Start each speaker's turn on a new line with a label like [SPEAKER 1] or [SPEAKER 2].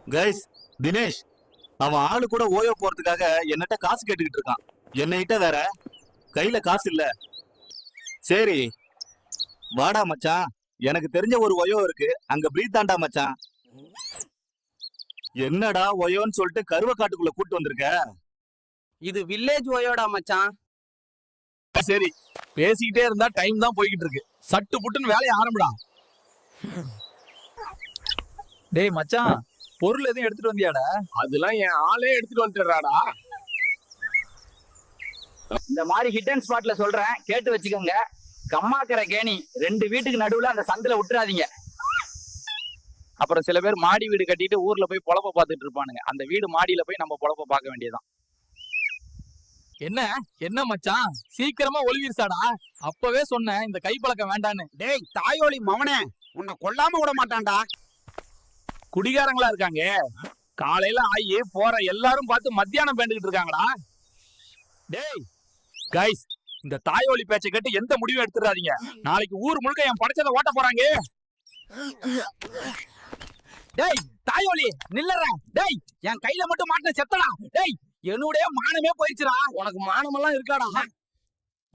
[SPEAKER 1] Guys, Dinesh அவன் ஆளு கூட ஓயோ போறதுக்காக என்னட்ட காசு கேட்டுக்கிட்டு இருக்கான். என்னகிட்ட வேற கையில காசு இல்ல. சரி வாடா மச்சான், எனக்கு தெரிஞ்ச ஒரு ஒயோ இருக்கு, அங்க பிரீத் தாண்டா மச்சான். என்னடா ஒயோன்னு சொல்லிட்டு கருவ காட்டுக்குள்ள கூட்டு வந்திருக்க?
[SPEAKER 2] இது வில்லேஜ் ஒயோடா மச்சான்.
[SPEAKER 3] சரி, பேசிக்கிட்டே இருந்தா டைம் தான் போய்கிட்டு இருக்கு. சட்டு புட்டுன்னு வேலையை ஆரம்பிடா.
[SPEAKER 4] டேய் மச்சான், பொருள் எதுவும் எடுத்துட்டு வந்தியாடா?
[SPEAKER 3] அதெல்லாம் என் ஆளே எடுத்துட்டு வந்துடுறாடா.
[SPEAKER 2] இந்த மாதிரி ஹிட் அண்ட் ஸ்பாட்ல சொல்றேன், கேட்டு வச்சுக்கோங்க. கம்மாக்கரை கேணி 2 வீட்டுக்கு நடுவுல அந்த சந்தில விட்டுறாதீங்க. அப்புறம் சில பேர் மாடி வீடு கட்டிட்டு ஊர்ல போய் பொழப்ப பார்த்துட்டு இருப்பானுங்க. அந்த வீடு மாடியில போய் நம்ம பொழப்ப பார்க்க வேண்டியதுதான்.
[SPEAKER 3] என்ன என்ன மச்சான், சீக்கிரமா ஒளிவீர்சாடா. அப்பவே சொன்னேன் இந்த கைப்பழக்கம் வேண்டான்னு.
[SPEAKER 5] டேய் தாயோலி மவனே, உன்னை கொல்லாம விட மாட்டான்டா.
[SPEAKER 3] குடிகாரங்களா இருக்காங்க. காலையில ஆகி போற எல்லாரும் பார்த்து மத்தியானம் பேண்டுகிட்டு இருக்காங்கடா. டேய் கைஸ், இந்த தாயோலி பேச்சை கேட்டு எந்த முடிவும் எடுத்துறாதீங்க. நாளைக்கு ஊர் முழுக்க என் படைச்சதை ஓட்ட போறாங்க.
[SPEAKER 2] டேய் தாயோலி நில்லறா. டேய் என் கையில மட்டும் மாட்டின செத்தடா. டேய் என்னுடைய மானமே போயிடுச்சுடா.
[SPEAKER 3] உனக்கு மானமெல்லாம் இருக்காடா.